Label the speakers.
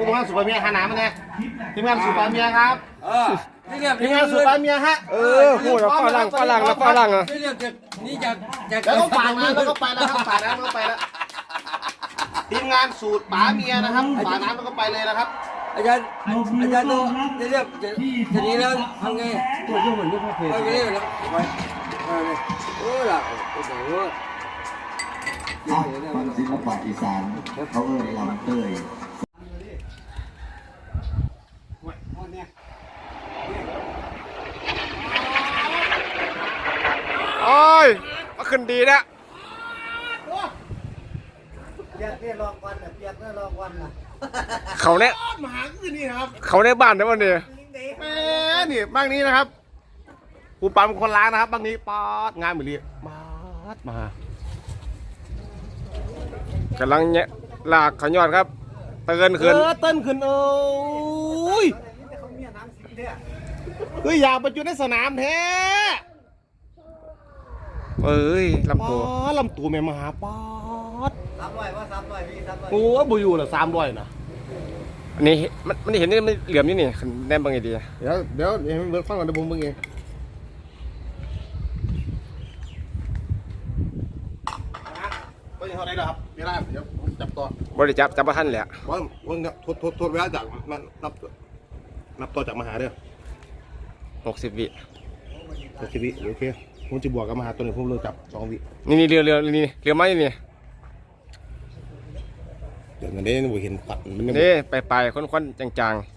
Speaker 1: ผู้งานสุปเมียหาหนามาเนี่ยทีมงานสุปเมียครับทีมงานสุปเมียฮะ
Speaker 2: พูดแล้วฝรั่งอ่ะ
Speaker 3: นี่จาก
Speaker 1: แล้วก็ฝ่าน้ำแล้วก็ไปแล้วครับฝ่าน้ำแล้วก็ไปแล้วทีมงานสูตรป๋าเมียนะครับฝ่าน้ำแล้วก็ไปเลยนะครับ
Speaker 3: อาจารย์ตัวจะเรียกจะนี้แล้วทำไงตัวยุ่งเหมือนยุ่งพ่อเพลไปเรียกแล้วไปหลักโอ้โห
Speaker 4: มันศิลปะอีสานเขาเอ่ยลำเตย
Speaker 2: โอ้ยมาขึ้นดีนะเขาเนี่ย
Speaker 1: มาหาคือนี่ครับ
Speaker 2: เขาในบ้านได้ป่ะเนี่ย
Speaker 1: แม่นี่บ้างนี้นะครับผู้ปั๊มคนล้างนะครับบ้างนี้ป๊อดงานเหมือนนี้มาก
Speaker 2: ำลังเนี่ยลากขยอดครับเตือนขึ้น
Speaker 1: เต้นขึ้นยอยากไปจุดในสนามแท้
Speaker 2: เอ้ยลำตัว
Speaker 1: แม่มหาป๊อด
Speaker 3: 300พี่300
Speaker 1: โอ้บุยูละ300นะ
Speaker 2: อันนี้มันเห็นนี่มันเหลี่ยมนี่นี่แน่นบางไงดี
Speaker 1: เดี๋ยวเบิร์ดฟังก่อนเดี๋ยวผมเบิ่งเองก็ยังเท่าไหร่ครับไม่ได้เดี๋ยวผมจับต่อบ
Speaker 2: ริจับประทันแหละ
Speaker 1: ว่าทดเวลาจากมันนับต่อจากมหาเด้อ
Speaker 2: 60 วิ
Speaker 1: 60 วิโอเคผมจะบวกกับมหาตัวหนึ่งผมเริ่มจับ2 วิ
Speaker 2: นี่เรือไม้นี่
Speaker 1: เดี๋ยวมันได้เห็นปัด
Speaker 2: นี่ไปควันจางๆ